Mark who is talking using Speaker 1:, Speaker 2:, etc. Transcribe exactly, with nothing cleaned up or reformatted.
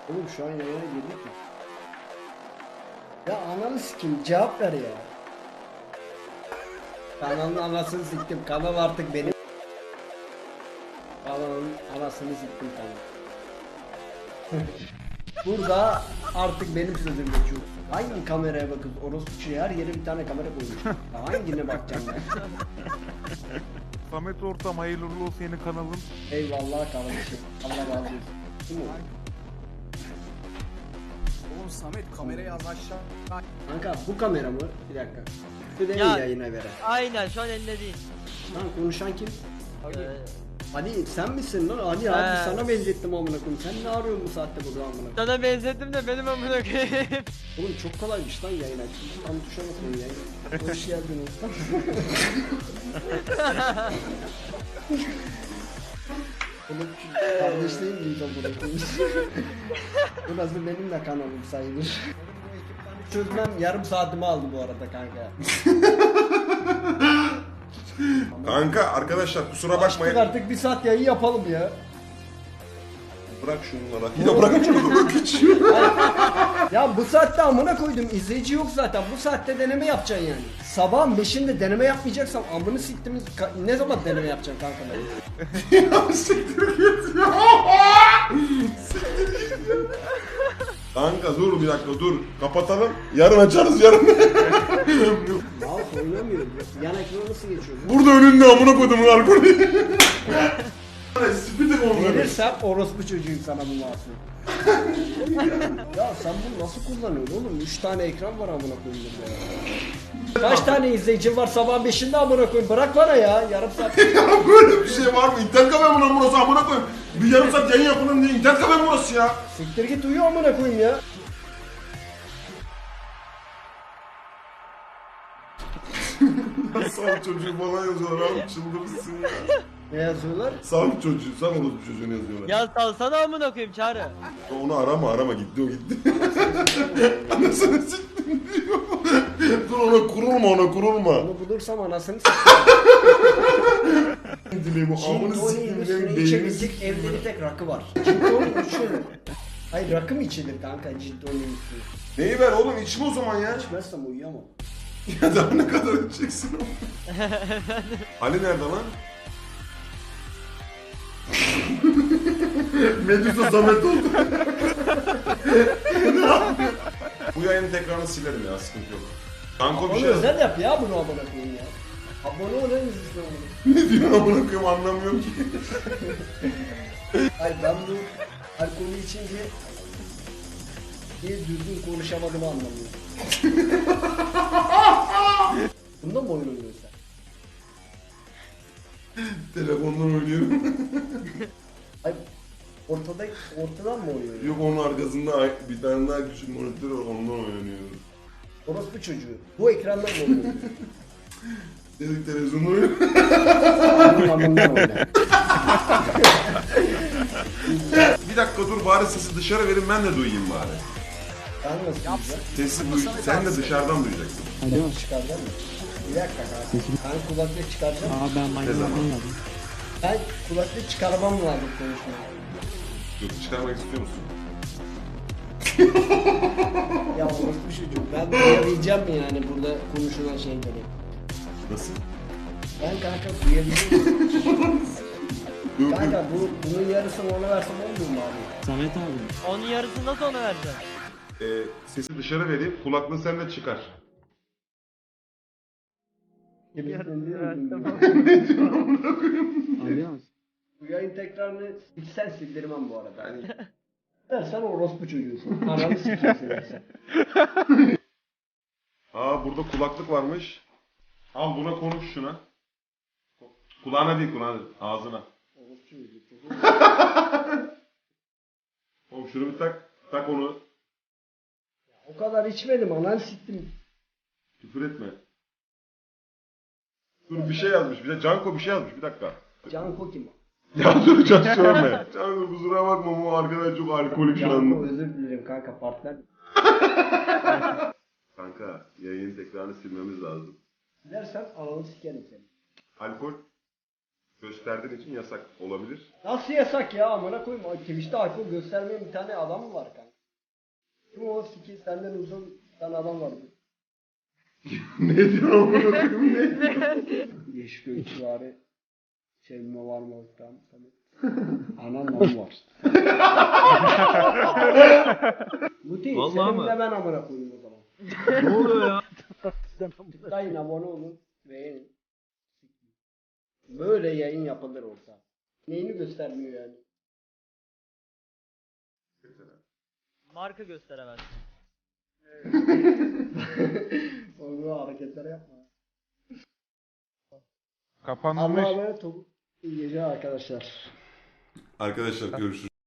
Speaker 1: Oğlum şu an yayına girdik mi? Ya ananı sikeyim, cevap ver ya. Kanalın anasını siktim, kanal artık benim. Kanalın anasını siktim kanal. Burada artık benim sözüm geçiyor. Hangi kameraya bakıp orospuçuya her yere bir tane kamera koymuş. Ya hangine bakacağım ben?
Speaker 2: Samet Ortam hayırlı uğurlu olsun yeni kanalın.
Speaker 1: Eyvallah kardeşim. Allah razı olsun. Kim o?
Speaker 3: Oğlum Samet kamerayı az aşağı.
Speaker 1: Kanka bu kamera mı? Bir dakika. Bir de
Speaker 4: Ya.
Speaker 1: yayına veren.
Speaker 4: Aynen şu an elinde değil.
Speaker 1: Lan konuşan kim?
Speaker 4: Ee,
Speaker 1: Ali sen misin lan? Ali
Speaker 4: He.
Speaker 1: abi sana benzettim amına koyayım. Sen ne arıyorsun bu saatte burada amına koyayım?
Speaker 4: sana benzettim de benim amına koyayım.
Speaker 1: Oğlum çok kolaymış lan yayın açmak. Tam tuşa basın yayın. Hoş geldiniz. Oğlum kardeşliğim değil amına koyayım. Bu nasıl benim de kanalım sayılır. Çözmem yarım saatimi aldı bu arada kanka.
Speaker 5: Kanka arkadaşlar kusura
Speaker 1: Açtık
Speaker 5: bakmayın.
Speaker 1: artık bir saat yayın yapalım ya.
Speaker 5: Bırak şunları. Ya bırak şunu kaçıyor.
Speaker 1: Ya bu saatte amına koydum, izleyici yok zaten. Bu saatte deneme yapacaksın yani. Sabahın beşinde deneme yapmayacaksam amını siktim. Ne zaman deneme yapacaksın kanka ben?
Speaker 5: Ya siktir git ya. Kanka dur bir dakika dur. Kapatalım. Yarın açarız yarın.
Speaker 1: Mouse oynamıyor. Yan ekranı nasıl geçiyor?
Speaker 5: Burada önünde amına koydum alkolü. Spidik onları.
Speaker 1: Gelirsem orospu çocuğuyum sana bu mouse'u. Ya sen bunu nasıl kullanıyorsun oğlum? üç tane ekran var amına koyayım ya. Kaç tane izleyici var sabah beşinde amına koyayım? Bırak bana ya yarım saat.
Speaker 5: Ya böyle bir şey var mı? İnternet kafe mi lan burası amına koyayım? Bir yarım saat yayın yapalım diye internet kafe mi burası ya?
Speaker 1: Siktir git uyu amına koyayım ya.
Speaker 5: Sağ çocuğu bana yazıyorlar abi çıldırırsın ya.
Speaker 1: Ne yazıyorlar?
Speaker 5: Sağ çocuğu, sen orospu çocuğunu yazıyorlar.
Speaker 4: Ya salsana amına koyayım Çağrı.
Speaker 5: Onu arama arama gitti o gitti. Anasını siktim diyor. Dur ona kurulma ona kurulma.
Speaker 1: Onu bulursam anasını siktir.
Speaker 5: Dileyim o amını
Speaker 1: Gin toniğin
Speaker 5: siktim
Speaker 1: üstüne
Speaker 5: benim beynimi
Speaker 1: içebilecek
Speaker 5: siktim.
Speaker 1: evde bir tek rakı var. Gin toniğin içilir. Hayır rakı mı içilir kanka gin toniğin üstüne?
Speaker 5: Neyi ver oğlum içme o zaman ya.
Speaker 1: İçmezsem uyuyamam.
Speaker 5: Ya daha ne kadar içeceksin oğlum. Ali nerede lan? Medusa Samet oldu. Bu yayının tekrarını silerim ya sıkıntı yok. Kanko bir
Speaker 1: Onu
Speaker 5: şey yaz.
Speaker 1: özel yap ya bunu abone koyayım ya. Abone ol en iyisi onu.
Speaker 5: Ne diyorsun amına koyayım anlamıyorum ki.
Speaker 1: Hayır ben bu alkolü içince bir düzgün konuşamadığımı anlamıyorum. Bunda mı oyun oynuyorsun sen?
Speaker 5: Telefondan oynuyorum.
Speaker 1: Hayır ortada, ortadan mı oynuyorsun?
Speaker 5: Yok onun arkasında ay- bir tane daha küçük monitör var ondan oynanıyor.
Speaker 1: Orospu çocuğu. Bu ekrandan mı oynuyorsun?
Speaker 5: Dedik televizyonda oynuyor.
Speaker 1: Bunun amından oyna.
Speaker 5: Bir dakika dur bari sesi dışarı verin ben de duyayım bari.
Speaker 1: Ben nasıl diyeceğim?
Speaker 5: Sesi duy sen de dışarıdan duyacaksın.
Speaker 1: Çıkaracağım mı? Bir dakika kanka. Ben kulaklık çıkaracağım.
Speaker 6: Aa ben
Speaker 5: Ne zaman?
Speaker 6: Mine'dan geldim.
Speaker 1: Ben kulaklık çıkarmam lazım konuşmaya.
Speaker 5: Yok çıkarmak istiyor musun?
Speaker 1: Ya orospu çocuğu. Ben duyabileceğim mi yani burada konuşulan şeyleri?
Speaker 5: Nasıl?
Speaker 1: Ben kanka duyabiliyorum.
Speaker 5: Yok yok.
Speaker 1: Kanka bu, bunun yarısını ona versem olmuyor mu abi?
Speaker 6: Samet abi.
Speaker 4: Onun yarısını nasıl ona vereceksin?
Speaker 5: Ee, sesi dışarı vereyim kulaklığı sen de çıkar.
Speaker 6: Abi az.
Speaker 1: Bu yayın tekrarını sen sildirmem bu arada. Hani dersen orospu çocuğusun. Ananı sikiyorsun dersen.
Speaker 5: Aa burada kulaklık varmış. Al buna konuş şuna. Kulağına değil kulağına değil, ağzına.
Speaker 1: Orospu çocuğu.
Speaker 5: Oğlum şunu bir tak, tak onu.
Speaker 1: O kadar içmedim ananı siktim.
Speaker 5: Küfür etme. Dur bir şey yazmış bir de Canko bir şey yazmış bir dakika.
Speaker 1: Canko kim?
Speaker 5: Ya dur Can söyleme. Canko kusura bakma bu arkadaş çok alkolik şu
Speaker 1: Canko
Speaker 5: anda.
Speaker 1: özür dilerim kanka partner.
Speaker 5: Kanka yayın tekrarını silmemiz lazım.
Speaker 1: Dersen ananı sikerim seni.
Speaker 5: Alkol. gösterdiğin için yasak olabilir.
Speaker 1: Nasıl yasak ya amına koyayım. Ay, Twitch'te alkol göstermeyen bir tane adam mı var kanka? Kim o siki senden uzun bir tane adam var.
Speaker 5: Ne diyor amına koyayım ne?
Speaker 1: Yeşilköy civarı şey mi var mı tam tabii. Ananla mı var? Muti
Speaker 6: Vallahi
Speaker 1: senin
Speaker 6: mi?
Speaker 1: de ben amına koyayım o zaman.
Speaker 6: Ne oluyor ya?
Speaker 1: Tıklayın abone olun. Beğenin. Böyle yayın yapılır olsa. Neyini göstermiyor yani?
Speaker 4: Marka gösteremez.
Speaker 1: Onu hareketler yapma.
Speaker 2: Kapanmış.
Speaker 1: Allah'a emanet olun. İyi geceler arkadaşlar.
Speaker 5: Arkadaşlar görüşürüz.